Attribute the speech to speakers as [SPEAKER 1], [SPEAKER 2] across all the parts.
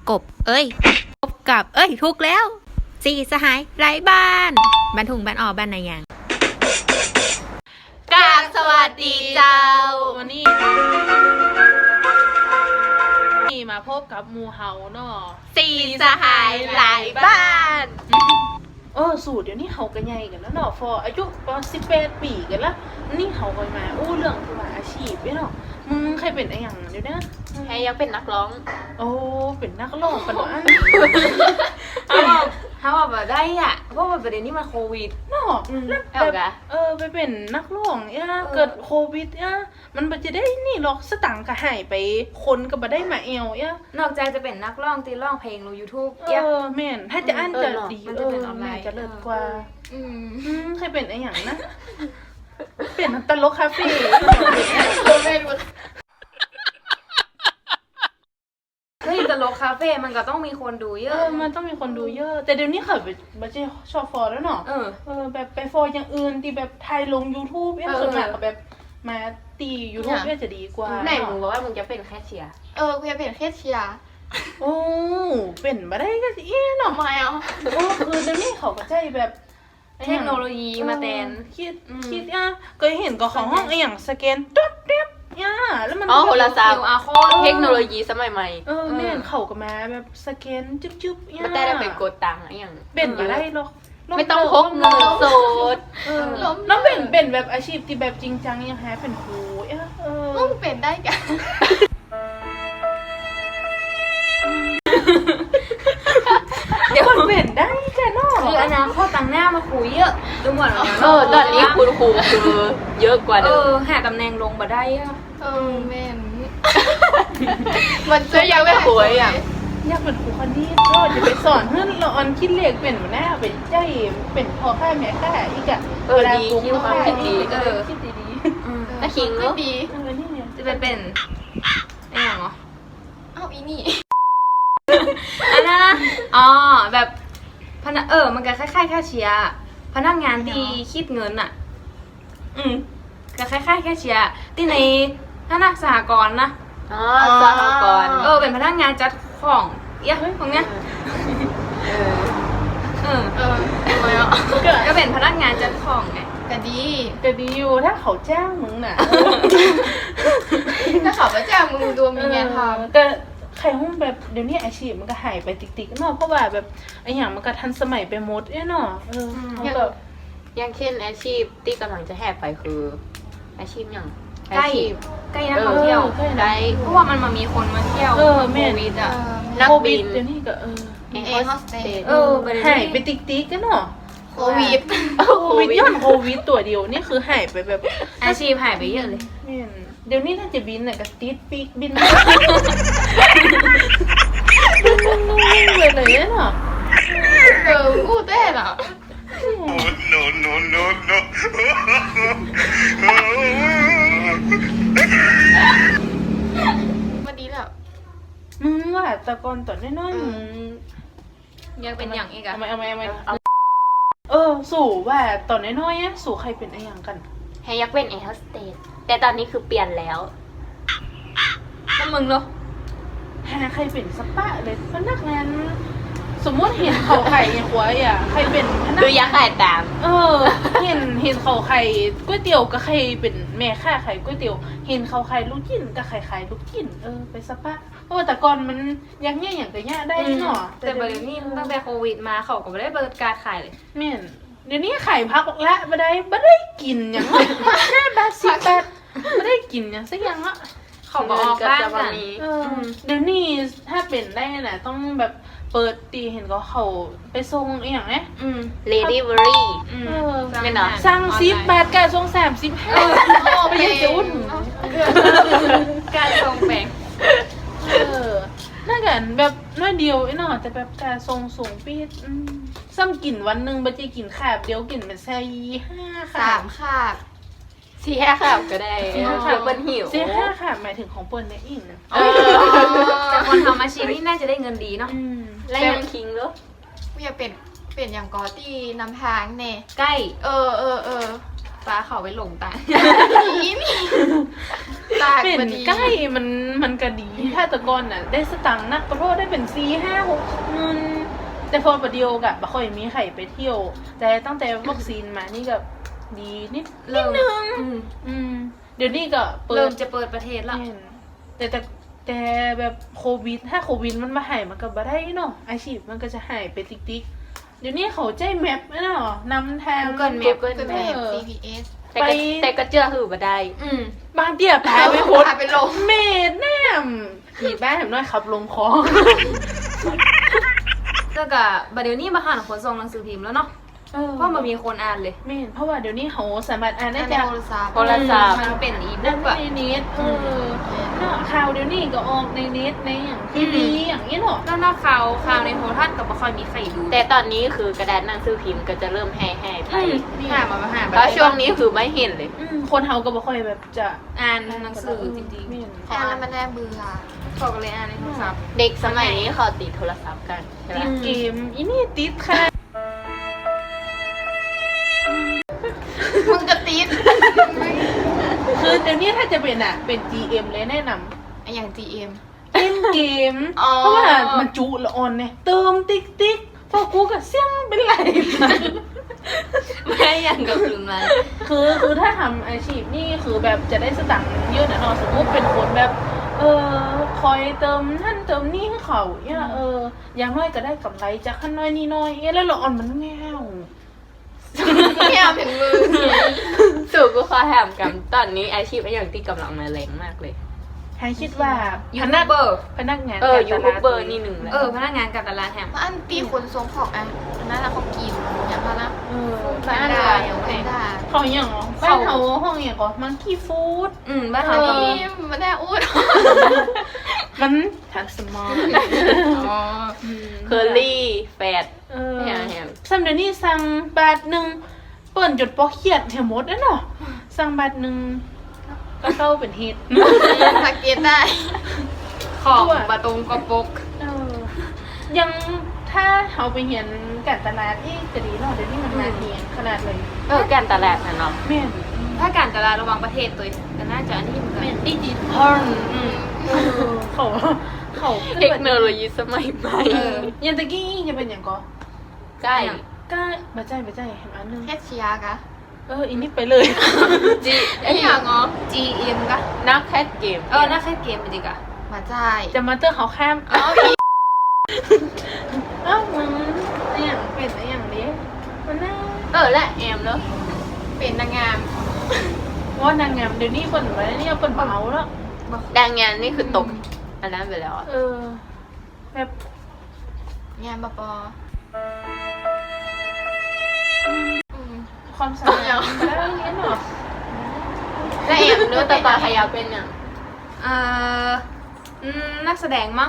[SPEAKER 1] กบพบกับถูกแล้วสี่สหายไร้บ้านบ้านถุงบ้านบ้านนายยางกราบสวัสดีเจ้า
[SPEAKER 2] วันนี้มาพบกับหมู่เฮาเนาะ
[SPEAKER 1] สี่สหายไร้บ้าน
[SPEAKER 2] สูตรเดี๋ยวนี้เฮากันใหญ่กันแล้วเนาะฟออายุประมาณ18 ปีกันละนี่เฮากันมาเรื่องคือว่าอาชีพเนาะมึงใครเป็นอะไรอย่างเดี๋ยวนี้
[SPEAKER 1] ใครยังเป็นนักร้อง
[SPEAKER 2] เป็นนักร้องปะเนาะ
[SPEAKER 1] เขาแบบได้อ่ะเพราะว่าประเด็นนี้มันโควิด
[SPEAKER 2] เนาะไปเป็นนักร้องเกิดโควิดมันบ่จะได้นี่หรอกสตังค์ก็หายไปคนก็บ่ได้มาเอวน
[SPEAKER 1] อกจากจะเป็นนักร้องตีร้องเพลงลง YouTube
[SPEAKER 2] แม่นถ้าจะอั้นจะดี
[SPEAKER 1] มันจะเป็นออนไลน์
[SPEAKER 2] จะเลิศกว่าใครเป็นอะไรอย่างนะเป็นตลกคาเฟ่
[SPEAKER 1] เฮ้ยตลกคาเฟ่มันก็ต้องมีคนดูเยอะ
[SPEAKER 2] มันต้องมีคนดูเยอะแต่เดี๋ยวนี้เขาไม่ใช่ชอบฟอร์แล้วเนาะแบบไปฟอร์อย่างอื่นที่แบบไทยลง YouTube ส่วนมากก็แบบมาตี YouTube จะดีกว่า
[SPEAKER 1] ไหนมึงบอกว่ามึงจะเป็นแคชเชียร์
[SPEAKER 3] กูจะเป็นแคชเชียร์
[SPEAKER 2] เป็นมาได้ก็สิเนาะ
[SPEAKER 3] ไม่เอา
[SPEAKER 2] คือเดี๋ยวนี้เขาก็ใจแบบ
[SPEAKER 1] เทคโนโลยีมาแทน
[SPEAKER 2] คิดก็เห็นก็ของห้องอย่างสแกนตุ๊ดเรียบแล้วมัน
[SPEAKER 1] โทรศัพท์เทคโนโลยีสมัยใหม่
[SPEAKER 2] แม่เขาก็มาแบบสแกนจุ๊บ
[SPEAKER 1] มันได้ไปกดตังค์อย่าง
[SPEAKER 2] เป็นมาได้หรอก
[SPEAKER 1] ไม่ต้องพกเงินสด
[SPEAKER 2] น้องเป็นแบบอาชีพที่แบบจริงจังยังแฮเป็นครู
[SPEAKER 3] มึงเป็นได้กัน
[SPEAKER 2] เดี๋ยวมันเป็นได้แค่นอก
[SPEAKER 1] คืออนาคตต่างหน้ามาคุยเยอะดูหมดแล้วตอนนี้คุณครูคือเยอะกว่าเดิมหาตำแหน่งลงมาได้
[SPEAKER 3] แม่นมันจะ
[SPEAKER 1] ยังไม่ป่วย
[SPEAKER 2] อยากเป็นครูคณิตก็จะไปสอนเพื่อนเราออนคิดเลขเป็นหัวหน้าเป็นใจเป็นพ่อค่าแม่ค่าอีก
[SPEAKER 1] ดีคิดความคิดดี
[SPEAKER 2] คิดดี
[SPEAKER 1] ถ้าคิงเนาะ
[SPEAKER 3] ดี
[SPEAKER 1] จะเป็นอะไรอย่างเหรอ
[SPEAKER 3] อีนี่
[SPEAKER 1] อันนั้นแบบมันก็คล้ายๆแค่เชียร์พนักงานที่คิดเงินอ่ะก็คล้ายๆแค่เชียร์ที่ในธนาคารสหกรณ์นะสหกรณ์เป็นพนักงานจัดของพวกเนี้ยก็เป็นพนักงานจัดของไง
[SPEAKER 3] ก็ดี
[SPEAKER 2] อยู่ถ้าเขาจ้างมึงน่ะ
[SPEAKER 3] ถ้าเขาจ้างมึงดูมีงานทำ
[SPEAKER 2] ก็ใครห้องแบบเดี๋ยวนี้อาชีพมันก็หายไปติ๊กๆเนาะเพราะว่าแบบไอ้อย่างมันก็ทันสมัยไปหมดเนาะ
[SPEAKER 1] อย่างเช่นอาชีพที่กำลังจะแหกไปคืออาชีพอย่าง
[SPEAKER 3] ใกล้
[SPEAKER 1] นักท่องเที่ยวได้เพราะว่ามันมีคนมาเที่ยว
[SPEAKER 2] แม่
[SPEAKER 1] วิดอ่ะ
[SPEAKER 2] นักบินเดี๋ยวนี้ก็
[SPEAKER 3] แอร์โฮสเตส
[SPEAKER 2] หายไปติ๊กๆกันเนาะ
[SPEAKER 3] โควิด
[SPEAKER 2] ย้อนโควิดตัวเดียวนี่คือหายไปแบบ
[SPEAKER 1] อาชีพหายไปเยอะเลย
[SPEAKER 2] เดี๋ยวนี้ถ้าจะบินเนี่ยก็ติดปีกบินเลยเนาะ
[SPEAKER 3] กูเต้นอ่ะวันนี้แล้ว
[SPEAKER 2] มึงว่าตะกอนตอนน้อยๆมึง
[SPEAKER 1] ยังเป็นอย่างอีกอะ
[SPEAKER 2] สู่ว่าตอนน้อยๆสู่ใครเป็นอะไรอย่างกัน
[SPEAKER 1] ให้ยักเป็นแอร์โฮสเตสแต่ตอนนี้คือเปลี่ยนแล้วแล้วมึงเหรอ
[SPEAKER 2] ใครเป็นสปะเลยพนักงานสมมติเห็นเขาไข่ยังหัวใครเป็นพนัก
[SPEAKER 1] ดูยักษ์ไข่ตาม
[SPEAKER 2] เห็นเขาไข่ก๋วยเตี๋ยวก็ใครเป็นแม่ค้าไข่ก๋วยเตี๋ยวเห็นเขาไข่ลูกชิ้นก็ไข่ลูกชิ้นไปสปะเพราะว่าแต่ก่อนมันยังเนี่ยอย่างแต่เนี่ยได้เนาะ
[SPEAKER 1] แต่เดี๋ยวนี้ตั้งแต่โควิดมาเขาก็ไม่ได้เปิดการขายเลย
[SPEAKER 2] แม่นเดี๋ยวนี้ไข่พักละไม่ได้กินอย่าง5 บาท 10 บาทไม่ได้กินอย่างสักอย่างละ
[SPEAKER 1] เขาบอกบ้านกัน
[SPEAKER 2] เดี๋ยวนี้ถ้าเป็นได้น่ะต้องแบบเปิดตีเห็นก็เขาไปส่งอย่างนี้
[SPEAKER 1] delivery
[SPEAKER 2] ไม่เนาะสั่ง10 บาทการส่ง35ไปยังจะอุ่น
[SPEAKER 1] การส่งแบ่ง
[SPEAKER 2] น่ากันแบบน้อยเดียวเนาะแต่แบบการส่งสูงปีดซ้ำกินวันนึงบัจจิกินขาบเดียวกินเป็นแซ่5 ขาบ
[SPEAKER 3] 3 ขาบ
[SPEAKER 1] 4 ขาบก็ได้เปิ้ลหิว
[SPEAKER 2] 5 ขาบหมายถึงของเปิ้ลเนี่ยอิงนะ
[SPEAKER 1] แต่คนทำอาชีพนี่น่าจะได้เงินดีเนาะและยังคิงเหรอ
[SPEAKER 3] กูอยากเป็นอย่างกอตี้นำทางเน่
[SPEAKER 1] ใกล้ฟ้าเขาไปหลงตาย
[SPEAKER 3] นี่ตาก
[SPEAKER 2] เป็น
[SPEAKER 3] พอดี
[SPEAKER 2] ใกล้มันก็ดีถ้าแต่ก่อนน่ะได้สตังค์นักก็เพราะได้เป็น4-5-6เงินแต่พอประเดียวกะบ่ค่อยมีใครไปเที่ยว แต่ตั้งแต่วัคซีนมานี่ก็ดีนิด
[SPEAKER 1] เริ่ม
[SPEAKER 2] นึงเดี๋ยวนี้ก็เปิ
[SPEAKER 1] เริ่
[SPEAKER 2] ด
[SPEAKER 1] มจะเปิดประเทศละ
[SPEAKER 2] แม่นแต่แบบโควิดถ้าโควิดมันมาหายมันก็บ่ได้เนาะอาชีพมันก็จะหายไปติ๊กๆเดี๋ยวนี้เขาใจแมปเนาะนำทาง
[SPEAKER 1] Google Map
[SPEAKER 3] ก็จะแบบ GPS
[SPEAKER 4] แต่ก็เชื่อหือบ่ได้
[SPEAKER 2] บางเดียพาไปโคตร
[SPEAKER 3] พาไปลง
[SPEAKER 2] เมดแนมขี่บ้านแถมน้อยขับลงคลอง
[SPEAKER 1] แล้วก็บัดเดี๋ยวนี้มาหาขนส่งหนังสือพิมพ์แล้วเนาะเพราะมันมีคนอ่านเลย
[SPEAKER 2] เมนเพราะว่าเดี๋ยวนี้เขาสามารถอ่านได้
[SPEAKER 3] ใน
[SPEAKER 2] จาก
[SPEAKER 3] โทรศัพท์
[SPEAKER 4] โทรศัพท์
[SPEAKER 1] มันเป็นอี
[SPEAKER 2] ได้
[SPEAKER 1] บุ๊กอะ
[SPEAKER 2] ในเน็ตเนาะข่าวเดี๋ยวนี้ก็ออกในเน็ตในอย่างทีวีอย่างนี้เนาะ
[SPEAKER 1] แล้วนอกข่าวในโทรทัศน์ก็บ่ค่อยมีใครดู
[SPEAKER 4] แต่ตอนนี้คือกระดานหนังสือพิมพ์ก็จะเริ่มแห่ไป
[SPEAKER 1] หามาหา
[SPEAKER 4] เพราะช่วงนี้คือไม่เห็นเลย
[SPEAKER 2] คนเฮาก็บ่ค่อยแบบจะ
[SPEAKER 1] อ่านหนังสือจริง
[SPEAKER 2] แม่น
[SPEAKER 3] อ่านแล้วมันน่าเบื่อ
[SPEAKER 1] ๆเขาก็เลยอ่านในโทรศัพท์
[SPEAKER 4] เด็กสมัยนี้เขาติดโทรศัพท์กันใช่ไหม
[SPEAKER 2] ติดเกมอีนี่ติดค่ะ
[SPEAKER 3] มึงจะติด
[SPEAKER 2] คือเดี๋ยวนี้ถ้าจะเป็นเป็น GM เลยแนะนำ
[SPEAKER 3] ไออย่าง GM
[SPEAKER 2] เล่นเกม
[SPEAKER 3] อ๋อ
[SPEAKER 2] เพราะว่ามันจุละออนเนี่ยเติมติ๊กพอกูก็เสี่ยงเป็นไร
[SPEAKER 1] ไม่อย่างกับคืนมา
[SPEAKER 2] คือถ้าทำอาชีพนี่คือแบบจะได้สตังค์เยอะนะเนาะสมมติเป็นคนแบบคอยเติมนั่นเติมนี่ให้เขาเนี่ยอย่างน้อยก็ได้กำไรจากขั้นน้อยนี่น้อยแล้วละออนมันแง่ว
[SPEAKER 3] ไม่เอาถึงมือ
[SPEAKER 4] สู่กูขอแถมกันตอนนี้อาชีพไอ้อย่างที่กำลังมาแรงมากเลย
[SPEAKER 2] ให้คิดว่า
[SPEAKER 1] ยูทูบเบอร์
[SPEAKER 2] พนักงาน
[SPEAKER 4] ยูทูบเบอร์นี่หนึ่งเลย
[SPEAKER 1] พนักงานกับตลาดแฮม
[SPEAKER 3] เพราะอันตีขนส่งของอันนั้นเขากินอย่างนั้นนะ
[SPEAKER 2] บ้าน
[SPEAKER 3] ได้
[SPEAKER 2] เรา
[SPEAKER 3] อย่างไม่ได้
[SPEAKER 2] เขาอย่างบ้านเขาห้องอย่างก็มังคีฟู้ด
[SPEAKER 1] บ้านเราก็มี
[SPEAKER 3] ไม่ได้อู้ด
[SPEAKER 2] มันทันสมอง
[SPEAKER 3] อ๋อ
[SPEAKER 4] เคอรี่แฟด แฮม
[SPEAKER 2] ซัมเดี๋ยวนี้สั่งบาทหนึ่งเปิ่นจดปอกเขียดแถมหมดแล้วเนาะสั่งบาทหนึ่งก็เข้าเป็นเฮ็ด
[SPEAKER 3] สังเกตได้
[SPEAKER 1] ของบะตงกระปก
[SPEAKER 2] ยังถ้าเขาไปเห็นการตลาดจะดีเนาะเดี๋ยวนี้มันมาเทียงขนาดเลย
[SPEAKER 4] การตลาดนะเนาะ
[SPEAKER 2] แม่น
[SPEAKER 1] ถ้าการตลาดระหว่างประเทศตัวก็น่าจะอันนี้เหมือนกัน
[SPEAKER 2] แม่นดิจิทัลเขา
[SPEAKER 4] เทคโนโลยีสมัยใหม่
[SPEAKER 2] ยันตะกี้จะเป็นอย่างก็
[SPEAKER 4] ใกล้
[SPEAKER 2] ก็มาใจเห็นอันนึง
[SPEAKER 3] แค่เชียร์กะ
[SPEAKER 2] อีนี่ไปเลย
[SPEAKER 4] จี
[SPEAKER 3] ไออย่างอ๋อ
[SPEAKER 1] GM กะ
[SPEAKER 4] นักแคสเกม
[SPEAKER 1] น่าแค่เกมจริงๆอะ
[SPEAKER 3] มาจ่าย
[SPEAKER 2] จะมาเตอร์เขาข้าม
[SPEAKER 3] อ๋ออี
[SPEAKER 2] มึงไอ้อย่างเป็นไอ้อย่างนี้มันน่า
[SPEAKER 4] และแอมเนาะ
[SPEAKER 3] เป็นนางงาม
[SPEAKER 2] ว่านางงามเดี๋ยวนี้คนไปเนี่ยคนเมาแล้ว
[SPEAKER 4] ดังงานนี่คือตกอันนั้นไปแล้วอะ
[SPEAKER 2] แบบ
[SPEAKER 3] งานบป
[SPEAKER 2] ความสามารถแล้วนี้เนาะ
[SPEAKER 4] และแอมเนื้อตาตาขยาวเป็นอย่าง
[SPEAKER 1] นักแสดงมั้ง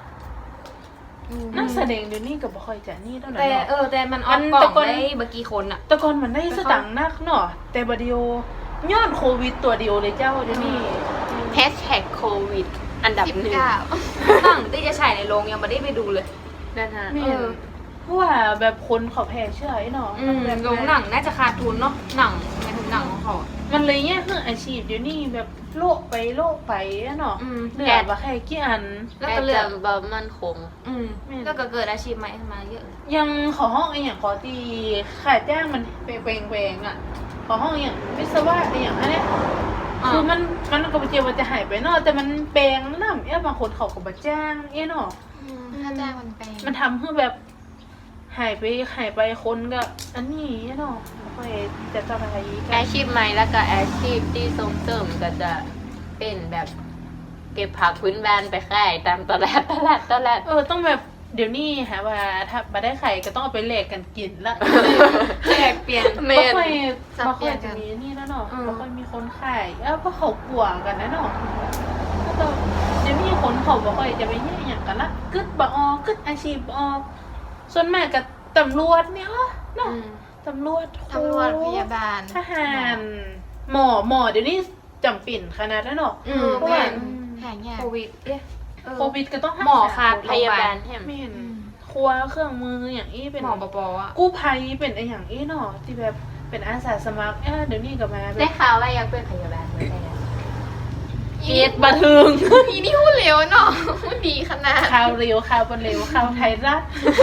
[SPEAKER 2] นักแสดงเดี๋ยวนี้ก็บ่ค่อยจะนี่เท่าไหร่
[SPEAKER 1] แต่
[SPEAKER 2] เนาะ
[SPEAKER 1] แต่มันออนกล่องได้เมื่อกี้คนอะ
[SPEAKER 2] แต่ก่อนมันได้สตังค์นักเนาะแต่บัดเดียวย้อนโควิดตัวเดียวเลยเจ้าเดี๋ยวนี้
[SPEAKER 4] แฮชแท็กโควิดอันดับ
[SPEAKER 3] 19
[SPEAKER 4] หนึ่ง
[SPEAKER 1] หนังที่จะฉายในโรงยังไม่ได้ไปดูเลย
[SPEAKER 4] นั่นฮะ
[SPEAKER 2] แม่นเพราะว่าแบบคนเขาแพ้เชื่อไอ้เนาะแบบ
[SPEAKER 1] โรงหนังน่าจะขาดทุนเนาะหนังในถึงหนังของเขา
[SPEAKER 2] มันเลยเนี่ยคืออาชีพเดี๋ยวนี้แบบโลกไปอะเนาะเหลือว่าแค่กี่อัน
[SPEAKER 1] แล้ว
[SPEAKER 4] แอ
[SPEAKER 1] ก็
[SPEAKER 4] ด
[SPEAKER 1] เลือก
[SPEAKER 4] จำบะมันคง
[SPEAKER 1] แล้วก็เกิดอาชีพใหม่ขึ้นมาเยอะ
[SPEAKER 2] ยังขอห้องไอ้อย่างขอตีขายจ้างมันแปลงอ่ะ ขอห้องอย่างวิศวะไอ้อย่างนั้นเนี่ยคือมันก็บ่เจียวว่าจะหายไปเนาะแต่มันแปลงน้ำบางคนเขาก็บ่จ้างเนาะ
[SPEAKER 3] ถ้าจ้างมันแปลง
[SPEAKER 2] มันทำให้แบบหายไปคนก็อันนี้เนาะบ่ค่อยจะสบายกั
[SPEAKER 4] อาน ชีพใหม่แล้วก็อาชีพที่ส่งเสริมก็จะเป็นแบบเก็บผักพื้นบ้านไปขายตามตลาด
[SPEAKER 2] ต้องแบบเดี๋ยวนี้หาว่าถ้าบ่ได้ไข่ก็ต้องเอาไปแลกกันกินละ
[SPEAKER 1] แจกเปลี่ยน
[SPEAKER 4] เม
[SPEAKER 2] บ่
[SPEAKER 4] น
[SPEAKER 2] ค่อยจะมีนี่แล้วเนาะบ่ค่อยมีคนขายเพราะเขากลัวกันนะเนาะแล้วก็เดี๋ยวนี้คนเขาบ่ค่อยจะไปแย่งหยังกันละกึดบ่ออกกึดอาชีพบ่ออกส่วนมากก็ตำรวจเนี่ยเนาะตำรวจ
[SPEAKER 3] ตำรวจพยาบาล
[SPEAKER 2] ทหารหมอเดี๋ยวนี้จำเป็นขนาดนั้นเนาะ
[SPEAKER 3] แม่นหายาก
[SPEAKER 1] โควิด
[SPEAKER 2] โควิดก็ต้อง
[SPEAKER 1] หมอขาด
[SPEAKER 4] พยาบาลแฮม
[SPEAKER 2] แม่นครัวเครื่องมืออย่างอี้เป็น
[SPEAKER 1] หมอปออ่ะ
[SPEAKER 2] กู้ภัยเป็นไออย่างอี้เนาะที่แบบเป็นอาสาสมัครเดี๋ยวนี้ก็มาแบ
[SPEAKER 4] ได้
[SPEAKER 2] บ
[SPEAKER 4] ข่าวว่าอยากเป็นพยาบาลเหมือนกันนะ
[SPEAKER 1] เกียรติบันเทิง
[SPEAKER 3] อีนี่พูดเร็วเนาะพูดดีขนาด
[SPEAKER 2] ข่าวเร็วข่าวบนเร็วข่าวไทยรัฐ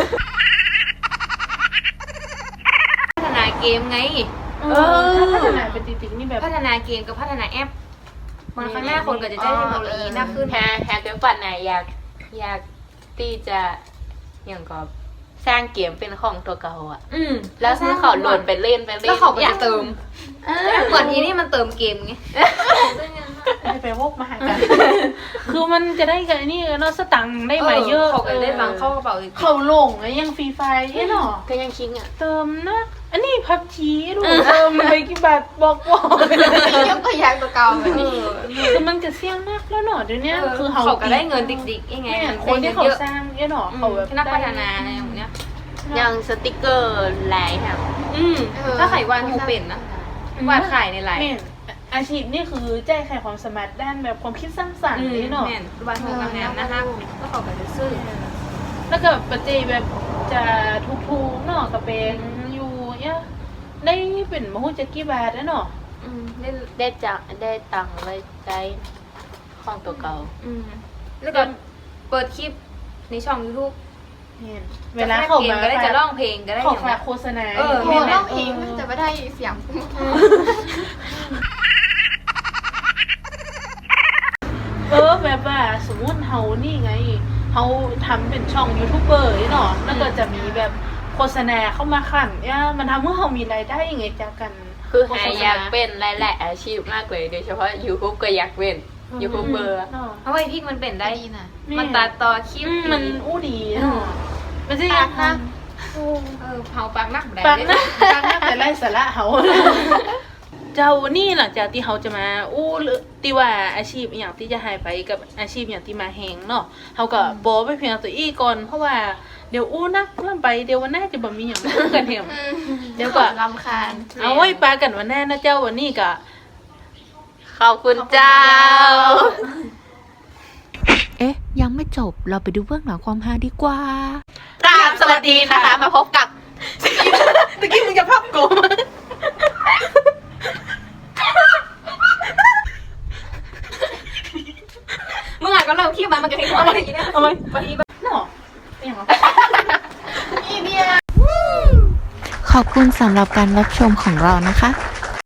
[SPEAKER 1] พัฒนาเกมไง
[SPEAKER 2] ถ้าพัฒนาเป็นจริงๆนี่แบบ
[SPEAKER 1] พัฒนาเกมกับพัฒนาแอปมันข้างหน้าคนก็จะใช้เทคโนโลยีมากขึ้น
[SPEAKER 4] แฮกเกอร์ปัดไหนอยากที่จะอย่างก็สร้างเกมเป็นของตัวเก่าอ่ะ แล้วซื้อเขาโหลดไปเล่น
[SPEAKER 1] แล้วเขาก็จะเติมเหมือนอีนี่มันเติมเกมไง
[SPEAKER 2] ไปวกมาหากัน คือมันจะได้กันนี่เนาะสตังค์ได้มาเยอะ
[SPEAKER 1] เขาก็ได้ตังค์เข้ากระเป๋าอีก
[SPEAKER 2] เขาลงไงยังฟรีไฟเนาะ
[SPEAKER 4] ก็ยังคิงอ่ะ
[SPEAKER 2] เติมนะ อันนี้พับจีดูเติมไปกี่บาทบอก
[SPEAKER 3] ยกตัวอย่างตัวเก่าแบบนี้
[SPEAKER 2] คือมันจะเสี่ยงนักแล้วเนาะเดี๋ยวนี้คือ
[SPEAKER 1] เขาก็ได้เงินดิกๆยังไง
[SPEAKER 2] เนี่ย
[SPEAKER 1] มัน
[SPEAKER 2] คนที่เขา
[SPEAKER 1] เยอะ
[SPEAKER 2] สร้างเนาะเขาแบบ
[SPEAKER 1] นักพัฒนาอะไรอย่างเงี้ย
[SPEAKER 4] ยังสติกเกอร์ไลน์ค่ะ
[SPEAKER 1] ถ้าไขวานหูเป็นนะวาดขายในไลน์
[SPEAKER 2] เนี่ยอาชีพนี่คือแจ้งไขความสามารถด้านแบบความคิดสร้างสรรค์นี่เนาะ
[SPEAKER 1] แม่นวาดหูกำแนมนะคะก็เขาก็จะซื้อ
[SPEAKER 2] แล้วก็ปัจจัยแบบจะทุกๆเนาะก็เป็นอยู่เนี่ยได้เป็นมหูจักกี่บาทแล้วเนาะ
[SPEAKER 4] ได้ตังค์ไว้ใช้ของตัวเก่า
[SPEAKER 1] แล้วก็เปิดคลิปในช่อง YouTube
[SPEAKER 2] เนี่ยเวลาเขามา
[SPEAKER 1] ก็ได้จะร้องเพลงก็ได้
[SPEAKER 2] เขา
[SPEAKER 1] อย่าง
[SPEAKER 2] ฝา
[SPEAKER 1] เงี้
[SPEAKER 2] ก
[SPEAKER 1] ย
[SPEAKER 2] โฆษณา
[SPEAKER 1] เออ
[SPEAKER 3] โอ้ร้องเพลงจะไม่ได้เสียง
[SPEAKER 2] แบบว่าสมมุติเฮานี่ไงเฮาทำเป็นช่องยูทูบเบอร์เนาะแล้วก็จะมีแบบโฆษณาเข้ามาขันเนี่ยมันทำให้เฮามีรายได้ยังไงจากกัน
[SPEAKER 4] คือแฮอยากเป็นหลายๆอาชีพมากเลยโดยเฉพาะ YouTube ก็อยากเป็นยูทูบเบอร์
[SPEAKER 2] เนาะ
[SPEAKER 1] เพราะว่าไอ้พริกมันเป็นได้
[SPEAKER 3] ดีนะ
[SPEAKER 1] มันตัดต่อคลิป
[SPEAKER 2] มันอู้ดีเนาะมันจะยัง
[SPEAKER 3] ปากนะ
[SPEAKER 1] เผาปากนักได้
[SPEAKER 2] ปังนะปังนะแต่ไร้สาระเฮาเจ้านี่หลังจากที่เขาจะมาอู้หรือที่ว่าอาชีพอหย่างที่จะหายไปกับอาชีพอย่างที่มาแหงเนาะเขาก็บอกไปเพียงตัวอี้ก่อนเพราะว่าเดี๋ยวอู้นักเริ่มไปเดี๋ยววันหน้าจะบ่มีอย่างพูดกันเห็มเดี๋ยวก็
[SPEAKER 3] รำคาญ
[SPEAKER 2] เอาไว้ปากันวันหน้านะเจ้าวันนี้ก็
[SPEAKER 4] ขอบคุณเจ้า
[SPEAKER 5] เอ๊ะ ยังไม่จบ เราไปดูเบื้องหลังความฮาดีกว่า
[SPEAKER 4] กราบสวัสดีนะคะ มาพบกับ
[SPEAKER 2] ตะกี้มึงจะพับกู
[SPEAKER 1] เมื่อไหร่ก็เริ่มคลิปมันก็ทิ้งอะไรอย่างเงี้ย
[SPEAKER 2] เอาไหมเนาะอย่างไร
[SPEAKER 3] อีเนี่ย
[SPEAKER 5] ขอบคุณสำหรับการรับชมของเรานะคะ